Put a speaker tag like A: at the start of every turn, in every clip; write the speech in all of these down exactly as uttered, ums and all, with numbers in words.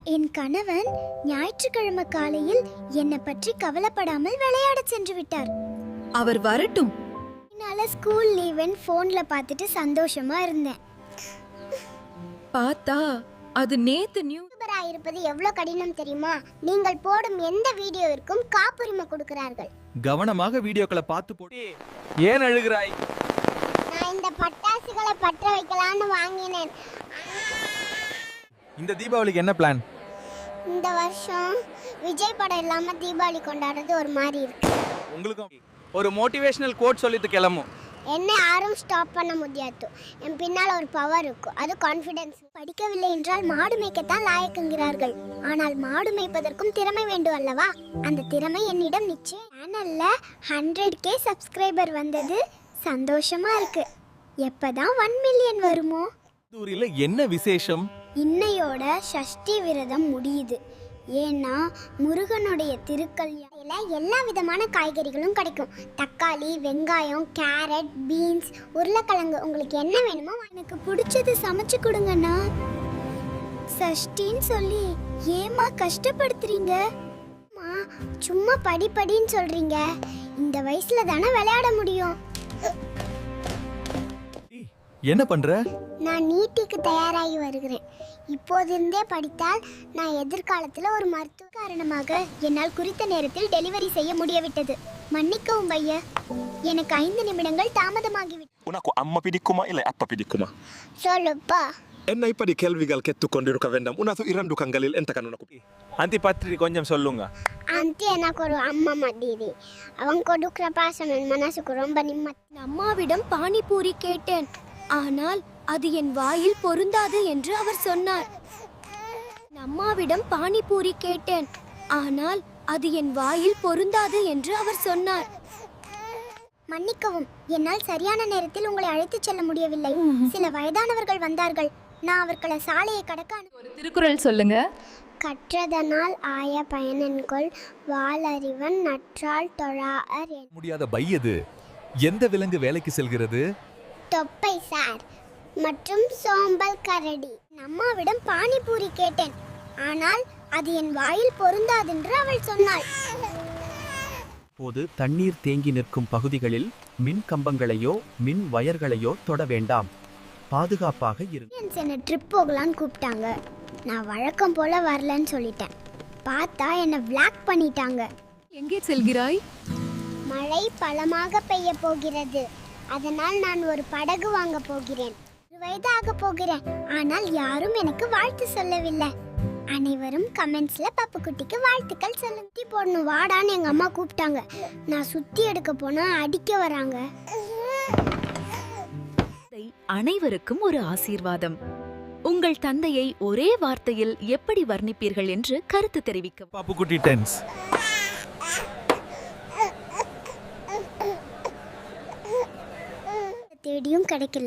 A: என் கணவன் ஞாயிற்றுக்கிழமை காலையில் என்னை பற்றி கவலைப்படாமல் விளையாட சென்று விட்டார்.
B: அவர் வரட்டும்.
A: என்னால ஸ்கூல் லீவன் போன்ல பார்த்துட்டு சந்தோஷமா இருந்தேன்.
B: பார்த்தா அது நேத்து நியூ
A: யூடியூபரா இருப்பது எவ்வளவு கடினம் தெரியுமா? நீங்கள் போடும் எந்த வீடியோவிற்கும் காப்புரிமை கொடுக்கிறார்கள்.
C: கவனமாக வீடியோக்களை பார்த்து போடு. ஏன் அழுகிறாய்?
A: நான் இந்த பட்டாசுகளை பற்ற வைக்கலாம்னு வாங்கினேன்.
C: இந்த தீபாவளிக்கு என்ன பிளான்?
A: இந்த வருஷம் விஜய் படம் இல்லாம தீபாவளி கொண்டாடுறது ஒரு மாதிரி இருக்கு.
C: உங்களுக்கு ஒரு மோட்டிவேஷனல் கோட் சொல்லிட்டு கிளம்பும்.
A: என்ன யாரும் ஸ்டாப் பண்ண முடியாது. என் பின்னால் ஒரு பவர் இருக்கும், அது கான்ஃபிடன்ஸ். படிக்கவில்லை என்றால் மாடு மேய்க்கத்தான் லாயக்குங்கிறார்கள். ஆனால் மாடு மேய்ப்பதற்கும் திறமை வேண்டும் அல்லவா? அந்த திறமை என்னிடம் நிச்சயம். சேனல்ல ஹண்ட்ரட் கே சப்ஸ்கிரைபர் வந்தது சந்தோஷமா இருக்கு. எப்பதான் ஒன் மில்லியன் வருமோ?
C: தூரில என்ன விசேஷம்?
A: இன்னையோட சஷ்டி விரதம் முடியுது. ஏன்னா முருகனுடைய திருக்கல்யாணத்துல எல்லா விதமான காய்கறிகளும் கிடைக்கும். தக்காளி, வெங்காயம், கேரட், பீன்ஸ், உருளைக்கிழங்கு, உங்களுக்கு என்ன வேணுமோ எனக்கு பிடிச்சது சமைச்சு கொடுங்கண்ணா. சஷ்டின்னு சொல்லி ஏமா கஷ்டப்படுத்துறீங்க? சும்மா படி படின்னு சொல்றீங்க. இந்த வயசுல தானே விளையாட முடியும்.
C: என்ன பண்ற?
A: நான் நீட்டிக்கு தயாராகி வருகிறேன். இப்போதிருந்தே படித்தால் நான் எதிர்காலத்தில் ஒரு மருத்துவ காரணமாக என்னால் குறித்த நேரத்தில் டெலிவரி செய்ய முடியவிட்டது. மன்னிக்கவும் பையா, எனக்கு ஐந்து நிமிடங்கள் தாமதமாகிவிட்டது.
D: Unako amma pidikkuma ila appa pidikkuma?
A: சொல்லுப்பா.
D: Enna ipadi kelvigal kettukondiruka vendam. Unathu irandukan galil entakan unaku.
C: அந்தி பத்திரி கொஞ்சம் சொல்லுங்க.
A: ஆண்டி எனக்கு ஒரு அம்மா மாதிரி. அவன் கொடுக்குற பாசம் என் மனசுக்கு ரொம்ப நிம்மதி. அம்மாவிடம் பானிபூரி கேட்டேன். ஆனால் அது என் வாயில் பொருந்தாது என்று அவர் சொன்னார். அம்மாவிடம் பானிபூரி கேட்டேன். ஆனால் அது என் வாயில் பொருந்தாது என்று அவர் சொன்னார். மன்னிக்கவும், என்னால் சரியான நேரத்தில் உங்களை அழைத்துச் செல்ல முடியவில்லை. சில வயதானவர்கள் வந்தார்கள். நான் அவர்களை சாலையை கடக்க
B: ஒரு திருக்குறள் சொல்லுங்க.
A: கற்றதனால் ஆய பயனன்கொள் வாளறிவன் நற்றால் தொழார்.
C: முடியாத பையது. எந்த விலங்கு வேலைக்கு செல்கிறது?
A: தொப்பை சார் மற்றும் சோம்பல் கரடி. அம்மாவிடம் பானிபூரி கேட்டேன். ஆனால் அது என் வாயில் பொருந்தாதென்று அவள் சொன்னாள்.
E: போது தண்ணீர் தேங்கி நிற்கும் பகுதிகளில் மின் கம்பங்களையோ மின் வயர்களையோ தொட வேண்டாம். பாதுகாப்பாக இருங்க.
A: என்னை ட்ரிப் போகலான்னு கூப்பிட்டாங்க. நான் வழக்கம் போல வரலன்னு சொல்லிட்டேன். பார்த்தா என்னை பிளாக் பண்ணிட்டாங்க.
B: எங்கே செல்கிறாய்?
A: மழை பலமாக பெய்ய போகிறது. அதனால் நான் ஒரு படகு வாங்க போகிறேன். ஒரு வயதாக போகிறேன். ஆனால் யாரும் எனக்கு வாழ்த்து சொல்லவில்லை. அனைவரும் கமெண்ட்ஸ்ல பப்பு குட்டிக்கு வாழ்த்துக்கள் சொல்லுங்க. போடணும் வாடான்னு எங்க அம்மா கூப்பிட்டாங்க. நான் சுத்தி எடுக்க போனா அடிக்க வராங்க.
F: அனைவருக்கும் ஒரு ஆசீர்வாதம். உங்கள் தந்தையை ஒரே வார்த்தையில் எப்படி வர்ணிப்பீர்கள் என்று கருத்து தெரிவிக்க.
C: பாப்பு குட்டி டென்ஸ்.
A: தேடியும் கிடைக்கல.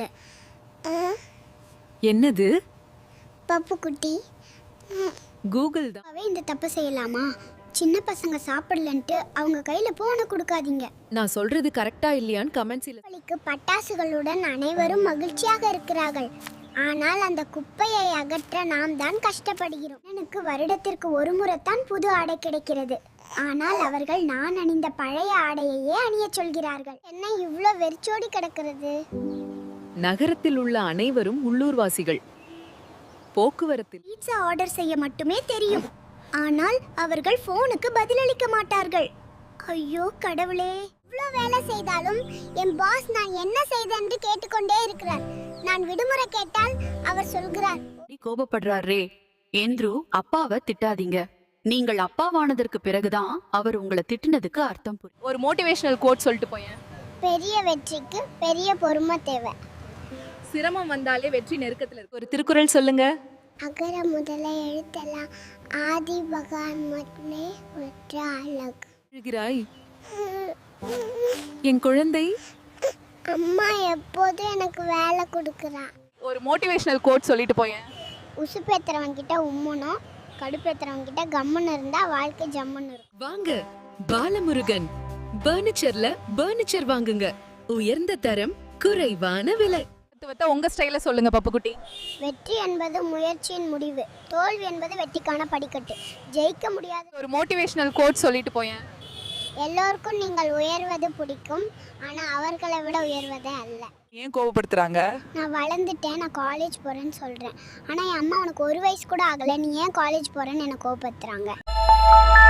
B: என்னது?
A: பப்பு குட்டி.
B: கூகுள் தான்.
A: அவ இந்த தப்பு செய்யலாமா? சின்ன பசங்க சாப்பிடலன்ட்டு அவங்க கையில போன கொடுக்காதீங்க.
B: நான் சொல்றது கரெக்டா இல்லையான்னு கமெண்ட்ஸ்ல.
A: தீபாவளிக்கு பட்டாசுகளுடன் அனைவரும் மகிழ்ச்சியாக இருக்கிறார்கள். ஆனால் அந்த குப்பையை அகற்ற நாம் தான் கஷ்டப்படுகிறோம். எனக்கு வருடத்திற்கு ஒரு முறைத்தான் புது ஆடை கிடைக்கிறது. ஆனால் அவர்கள் நான் அணிந்த பழைய ஆடையையே அணிய சொல்கிறார்கள். என்ன இவ்ளோ வெறிச்சோடி கிடக்கிறது?
B: நகரத்தில் உள்ள அனைவரும் உள்ளூர்வாசிகள். போக்குவரத்தில்
A: பீட்சா ஆர்டர் செய்ய மட்டுமே தெரியும். ஆனால் அவர்கள் போனுக்கு பதிலளிக்க மாட்டார்கள். ஐயோ கடவுளே, இவ்ளோ வேலை செய்தாலும் என் பாஸ் நான் என்ன செய்தேன் என்று கேட்டுக்கொண்டே இருக்கிறார். நான் விடுமுறை கேட்டால் அவர் சொல்கிறார்,
F: கோபப்படுறாரே என்று அப்பாவை திட்டாதீங்க. நீங்கள் அப்பாவானதற்கு பிறகுதான் அவர் உங்களை திட்டினதுக்கு அர்த்தம் புரியும்.
B: ஒரு மோட்டிவேஷனல் கோட் சொல்லிட்டு போயேன்.
A: பெரிய வெற்றிக்கு பெரிய பொறுமை தேவை.
B: சிரமம் வந்தாலே வெற்றி நெருக்கத்துல இருக்கு. ஒரு திருக்குறள் சொல்லுங்க.
A: அகர முதல எழுத்தெல்லாம் ஆதி பகவான் மட்டுமே ஒற்ற அழகு.
B: எழுகிறாய் என் குழந்தை.
A: அம்மா எப்போதும் எனக்கு வேலை கொடுக்குறா.
B: ஒரு மோட்டிவேஷனல் கோட் சொல்லிட்டு போயேன்.
A: உசுப்பேத்துறவன் கிட்ட உம்முனும் கடுப்பேத்துறவன் கிட்ட கம்முன்னு இருந்தா வாழ்க்கை ஜம்முன்னு இருக்கும்.
B: வாங்க பாலமுருகன் பர்னிச்சர்ல பர்னிச்சர் வாங்குங்க. உயர்ந்த தரம், குறைவான விலை. தத்துவத்தை உங்க ஸ்டைல சொல்லுங்க பப்புக்குட்டி.
A: வெற்றி என்பது முயற்சியின் முடிவு, தோல்வி என்பது வெற்றிக்கான படிக்கட்டு. ஜெயிக்க முடியாது.
B: ஒரு மோட்டிவேஷனல் கோட் சொல்லிட்டு போயேன்.
A: எல்லோருக்கும் நீங்கள் உயர்வது பிடிக்கும், ஆனால் அவர்களை விட உயர்வதே அல்ல.
B: ஏன் கோபப்படுத்துறாங்க?
A: நான் வளர்ந்துட்டேன், நான் காலேஜ் போகிறேன்னு சொல்கிறேன். ஆனால் என் அம்மா உனக்கு ஒரு வயசு கூட ஆகலை, நீ ஏன் காலேஜ் போகிறேன்னு என்னை கோபப்படுத்துகிறாங்க.